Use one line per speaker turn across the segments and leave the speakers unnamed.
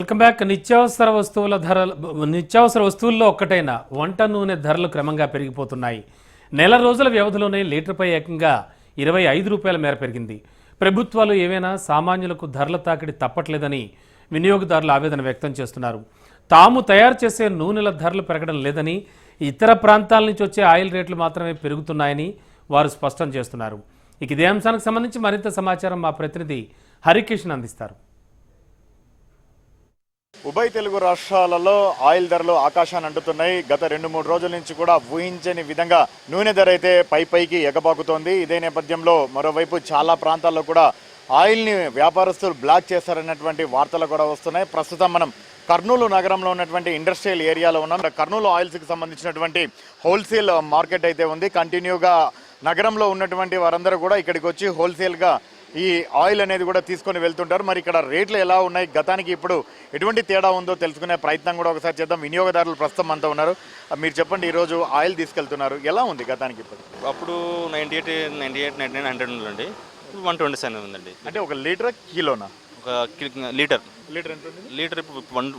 Welcome back. నిత్యావసర వస్తువుల్లో ఒక్కటైన వంట నూనె ధరలు క్రమంగా పెరిగిపోతున్నాయి. నెల రోజుల వ్యవధిలోనే లీటర్పై ఏకంగా 25 రూపాయల మేర పెరిగింది. ప్రభుత్వాలు ఏవైనా సామాన్యులకు ధరల తాకిడి తప్పట్లేదని వినియోగదారులు ఆవేదన వ్యక్తం చేస్తున్నారు. తాము తయారు చేసే నూనెల ధరలు పెరగడం లేదని, ఇతర ప్రాంతాల నుంచి వచ్చే ఆయిల్ రేట్లు మాత్రమే పెరుగుతున్నాయని వారు స్పష్టం చేస్తున్నారు. ఇదే అంశానికి సంబంధించి మరింత సమాచారం మా ప్రతినిధి హరికిషన్ అందిస్తారు.
ఉభయ తెలుగు రాష్ట్రాలలో ఆయిల్ ధరలు ఆకాశాన్ని అంటుతున్నాయి. గత 2-3 రోజుల నుంచి కూడా ఊహించని విధంగా నూనె ధర అయితే పైకి ఎగబాకుతోంది. ఇదే నేపథ్యంలో మరోవైపు చాలా ప్రాంతాల్లో కూడా ఆయిల్ని వ్యాపారస్తులు బ్లాక్ చేశారన్నటువంటి వార్తలు కూడా వస్తున్నాయి. ప్రస్తుతం మనం కర్నూలు నగరంలో ఉన్నటువంటి ఇండస్ట్రియల్ ఏరియాలో ఉన్నాం. కర్నూలు ఆయిల్స్కి సంబంధించినటువంటి హోల్సేల్ మార్కెట్ అయితే ఉంది. కంటిన్యూగా నగరంలో ఉన్నటువంటి వారందరూ కూడా ఇక్కడికి వచ్చి హోల్సేల్గా ఈ ఆయిల్ అనేది కూడా తీసుకొని వెళ్తుంటారు. మరి ఇక్కడ రేట్లు ఎలా ఉన్నాయి, గతానికి ఇప్పుడు ఎటువంటి తేడా ఉందో తెలుసుకునే ప్రయత్నం కూడా ఒకసారి చేద్దాం. వినియోగదారులు ప్రస్తుతం అంతా ఉన్నారు. మీరు చెప్పండి, ఈరోజు ఆయిల్ తీసుకెళ్తున్నారు, ఎలా ఉంది గతానికి ఇప్పుడు?
అప్పుడు 98, 99, 100 ఉందండి. ఇప్పుడు 127 ఉందండి.
అంటే ఒక లీటర్ కిలోనా?
ఒక లీటర్
ఎంత ఉంది?
లీటర్ ఇప్పుడు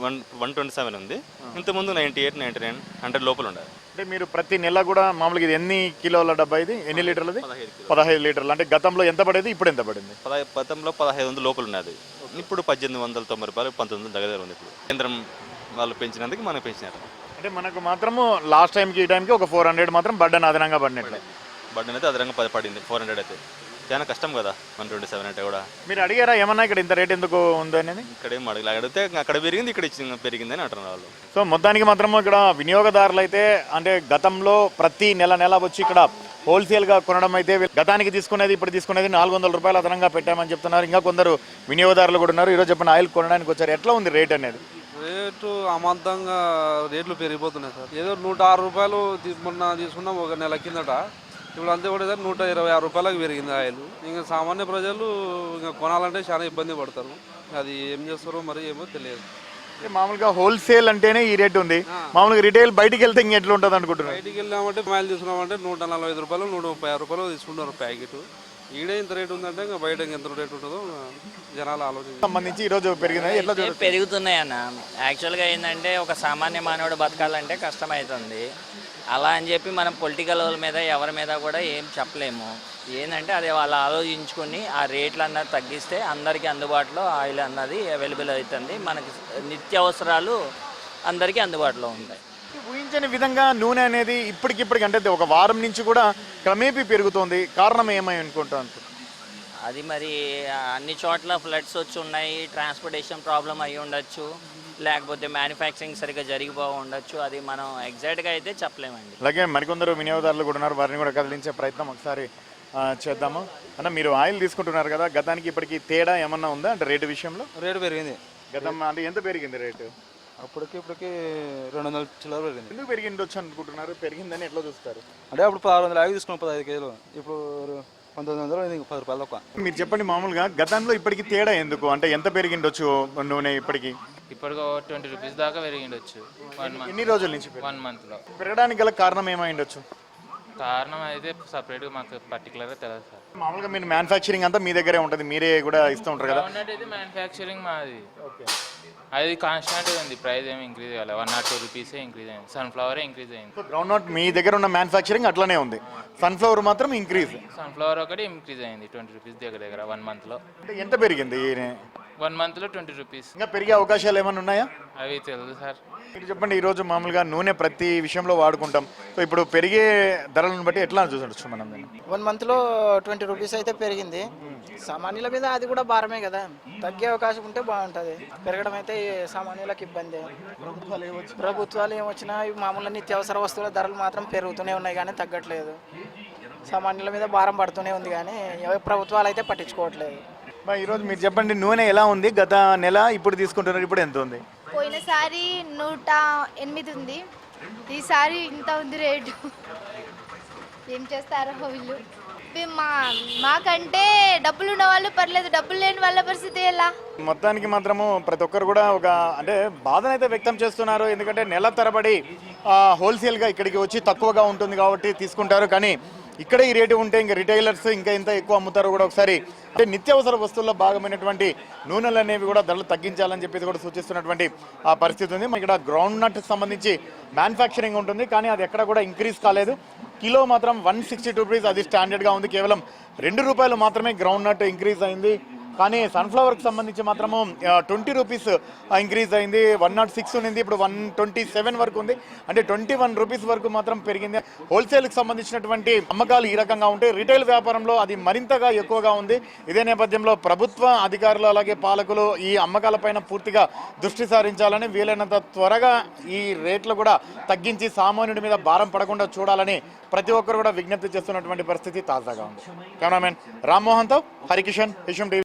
127 ఉంది. ఇంతకుముందు 98, 99, 100 లోపల ఉండాలి.
అంటే మీరు ప్రతి నెల కూడా మామూలుగా ఇది ఎన్ని కిలోల డబ్బా, ఇది ఎన్ని లీటర్లది? 15 లీటర్లు. అంటే గతంలో ఎంత పడేది, ఇప్పుడు ఎంత పడింది?
గతంలో 1500 లోపల ఉన్నది. ఇప్పుడు 1890 రూపాయలు, 1900 దగ్గర ఉంది. ఇప్పుడు కేంద్రం వాళ్ళు పెంచినందుకు మనం పెంచినారు.
అంటే మనకు మాత్రము లాస్ట్ టైంకి ఈ టైంకి ఒక 400 మాత్రం బడ్డన్ అదనంగా పడినట్లే.
బడ్డన్ అయితే అదనంగా పడింది. 400 అయితే చాలా కష్టం కదా. 127 అంటే కూడా
మీరు అడిగారా ఏమన్నా ఇక్కడ ఇంత రేట్ ఎందుకు ఉంది అనేది?
ఇక్కడ ఏం అడిగితే అక్కడ పెరిగింది, ఇక్కడ పెరిగిందని అంటున్నారు వాళ్ళు.
సో మొత్తానికి మాత్రము ఇక్కడ వినియోగదారులు అయితే అంటే గతంలో ప్రతి నెల వచ్చి ఇక్కడ హోల్సేల్గా కొనడం అయితే గతానికి తీసుకునేది ఇప్పుడు తీసుకునేది 400 రూపాయలు అదనంగా పెట్టామని చెప్తున్నారు. ఇంకా కొందరు వినియోగదారులు కూడా ఉన్నారు. ఈరోజు చెప్పిన ఆయిల్ కొనడానికి వచ్చారు. ఎట్లా ఉంది రేట్ అనేది?
రేటు అమాంతంగా రేట్లు పెరిగిపోతున్నాయి సార్. ఏదో 106 రూపాయలు మొన్న తీసుకున్నాం ఒక నెల కిందట. ఇప్పుడు అంతే కూడా సార్ 126 రూపాయలకు పెరిగింది ఆయిల్. ఇంకా సామాన్య ప్రజలు ఇంకా కొనాలంటే చాలా ఇబ్బంది పడతారు. అది ఏం చేస్తారో మరి ఏమో తెలియదు.
మామూలుగా హోల్సేల్ అంటేనే ఈ రేట్ ఉంది. మామూలుగా రిటైల్ బయటికి వెళ్తే ఇంకా ఎట్లా ఉంటుంది అనుకుంటున్నారు?
బయటికి వెళ్ళామంటే ఆయిల్ తీసుకున్నామంటే 145 రూపాయలు, 130 రూపాయలు తీసుకుంటారు ప్యాకెట్. ఈడే ఇంత రేటు ఉందంటే ఇంకా బయట ఎంత రేటు ఉంటుందో జనాలు ఆలోచన
సంబంధించి ఈరోజు పెరిగినాయి. ఎట్లా
పెరుగుతున్నాయి అన్న. యాక్చువల్గా ఏంటంటే ఒక సామాన్య మానవుడు బతకాలంటే కష్టమవుతుంది. అలా అని చెప్పి మనం పొలిటికల్ వాళ్ళ మీద ఎవరి మీద కూడా ఏం చెప్పలేము. ఏంటంటే అది వాళ్ళు ఆలోచించుకొని ఆ రేట్లు అన్నది తగ్గిస్తే అందరికీ అందుబాటులో ఆయిల్ అన్నది అవైలబుల్ అవుతుంది. మనకి నిత్యావసరాలు అందరికీ అందుబాటులో ఉంటాయి.
ఊహించని విధంగా నూనె అనేది ఇప్పటికిప్పటికి అంటే ఒక వారం నుంచి కూడా క్రమేపీ పెరుగుతోంది. కారణం ఏమై అనుకుంటాను?
అది మరి అన్ని చోట్ల ఫ్లడ్స్ వచ్చి ఉన్నాయి, ట్రాన్స్పోర్టేషన్ ప్రాబ్లం అయ్యి ఉండొచ్చు, లేకపోతే మ్యానుఫ్యాక్చరింగ్ సరిగ్గా జరిగిపో ఉండొచ్చు. అది మనం ఎగ్జాక్ట్గా అయితే చెప్పలేమండి.
అలాగే మరికొందరు వినియోగదారులు కూడా ఉన్నారు, వారిని కూడా కదిలించే ప్రయత్నం ఒకసారి చేద్దాము. అన్న, మీరు ఆయిల్ తీసుకుంటున్నారు కదా, గతానికి ఇప్పటికి తేడా ఏమన్నా ఉందా? అంటే రేటు విషయంలో
రేటు పెరిగింది.
గతం అంటే ఎంత పెరిగింది రేటు?
ఇప్పటికి 200 చిల్లర పెరిగింది.
ఎందుకు పెరిగింది వచ్చి అనుకుంటున్నారు? పెరిగిందని ఎట్లా చూస్తారు?
అంటే అప్పుడు 600 తీసుకున్నాం 15 కేజీలు. ఇప్పుడు 1900, 10 రూపాయలు తక్కువ.
మీరు చెప్పండి, మామూలుగా గతంలో ఇప్పటికి తేడా ఎందుకు? అంటే ఎంత పెరిగిండొచ్చు నూనె ఇప్పటికి?
ఇప్పటికి 20 రూపీస్ దాకా పెరిగిండొచ్చు.
ఎన్ని రోజుల నుంచి?
1 మంత్లో.
పెరగడానికి గల కారణం ఏమైండొచ్చు?
కారణం అయితే సపరేట్గా మాకు పర్టికులర్గా తెలియదు సార్.
మామూలుగా మీరు మ్యానుఫ్యాక్చరింగ్ అంతా మీ దగ్గరే ఉంటుంది, మీరే కూడా ఇస్తూ ఉంటారు కదా?
అయితే మ్యానుఫ్యాక్చరింగ్ మాది. అది కాన్స్టాంట్గా ఉంది. ప్రైస్ ఏమి ఇంక్రీజ్ కాలేదు. 1 or 2 రూపీసే ఇంక్రీజ్ అయింది. సన్ఫ్లవరే ఇంక్రీజ్ అయింది.
గ్రౌండ్ నట్ మీ దగ్గర ఉన్న మ్యానుఫ్యాక్చరింగ్ అట్లనే ఉంది, సన్ఫ్లవర్ మాత్రం ఇంక్రీజ్.
సన్ఫ్లవర్ ఒకటి ఇంక్రీజ్ అయింది 20 రూపీస్ దగ్గర 1 మంత్లో.
అంటే ఎంత పెరిగింది?
1 మంత్లో 20 రూపీస్.
ఇంకా పెరిగే అవకాశాలు ఏమైనా ఉన్నాయా?
అవి తెలియదు సార్.
మీరు చెప్పండి, ఈరోజు మామూలుగా నూనె ప్రతి విషయంలో వాడుకుంటాం. సో ఇప్పుడు పెరిగే ధరలను బట్టి ఎట్లా చూసొచ్చు మనం?
1 మంత్లో 20 రూపీస్ అయితే పెరిగింది. సామాన్యుల మీద అది కూడా భారమే కదా, తగ్గే అవకాశం ఉంటే బాగుంటుంది. పెరగడం అయితే సామాన్యులకు ఇబ్బంది. ప్రభుత్వాలు ఏమొచ్చినా మామూలు నిత్యావసర వస్తువుల ధరలు మాత్రం పెరుగుతూనే ఉన్నాయి కానీ తగ్గట్లేదు. సామాన్యుల మీద భారం పడుతూనే ఉంది కానీ ప్రభుత్వాలు అయితే పట్టించుకోవట్లేదు.
ఈరోజు మీరు చెప్పండి, నూనె ఎలా ఉంది? గత నెల ఇప్పుడు తీసుకుంటున్నారు, ఇప్పుడు ఎంత ఉంది?
పోయినసారి 108 ఉంది, ఈసారి ఇంత ఉంది రేటు. ఏం చేస్తారో వీళ్ళు. మాకంటే డబ్బులు ఉన్న వాళ్ళు పర్లేదు, డబ్బులు లేని వాళ్ళ పరిస్థితి ఎలా?
మొత్తానికి మాత్రము ప్రతి ఒక్కరు కూడా ఒక అంటే బాధనైతే వ్యక్తం చేస్తున్నారు. ఎందుకంటే నెల తరబడి హోల్సేల్గా ఇక్కడికి వచ్చి తక్కువగా ఉంటుంది కాబట్టి తీసుకుంటారు. కానీ ఇక్కడ ఈ రేటు ఉంటే ఇంకా రిటైలర్స్ ఇంకా ఎంత ఎక్కువ అమ్ముతారో కూడా ఒకసారి అంటే నిత్యావసర వస్తువుల్లో భాగమైనటువంటి నూనెలు అనేవి కూడా ధరలు తగ్గించాలని చెప్పేసి కూడా సూచిస్తున్నటువంటి ఆ పరిస్థితి ఉంది. ఇక్కడ గ్రౌండ్ నట్ సంబంధించి మ్యానుఫ్యాక్చరింగ్ ఉంటుంది, కానీ అది ఎక్కడ కూడా ఇంక్రీజ్ కాలేదు. కిలో మాత్రం 162 రూపీస్, అది స్టాండర్డ్గా ఉంది. కేవలం 2 రూపాయలు మాత్రమే గ్రౌండ్ నట్ ఇంక్రీజ్ అయింది. కానీ సన్ఫ్లవర్కి సంబంధించి మాత్రము 20 రూపీస్ ఇంక్రీజ్ అయింది. 106 ఉంది, ఇప్పుడు 127 వరకు ఉంది. అంటే 21 రూపీస్ వరకు మాత్రం పెరిగింది. హోల్సేల్కి సంబంధించినటువంటి అమ్మకాలు ఈ రకంగా ఉంటాయి. రిటైల్ వ్యాపారంలో అది మరింతగా ఎక్కువగా ఉంది. ఇదే నేపథ్యంలో ప్రభుత్వ అధికారులు అలాగే పాలకులు ఈ అమ్మకాలపైన పూర్తిగా దృష్టి సారించాలని, వీలైనంత త్వరగా ఈ రేట్లు కూడా తగ్గించి సామాన్యుడి మీద భారం పడకుండా చూడాలని ప్రతి ఒక్కరు కూడా విజ్ఞప్తి చేస్తున్నటువంటి పరిస్థితి తాజాగా ఉంది. కెమెరామెన్ రామ్మోహన్తో హరికిషన్, విషయం టీవీ.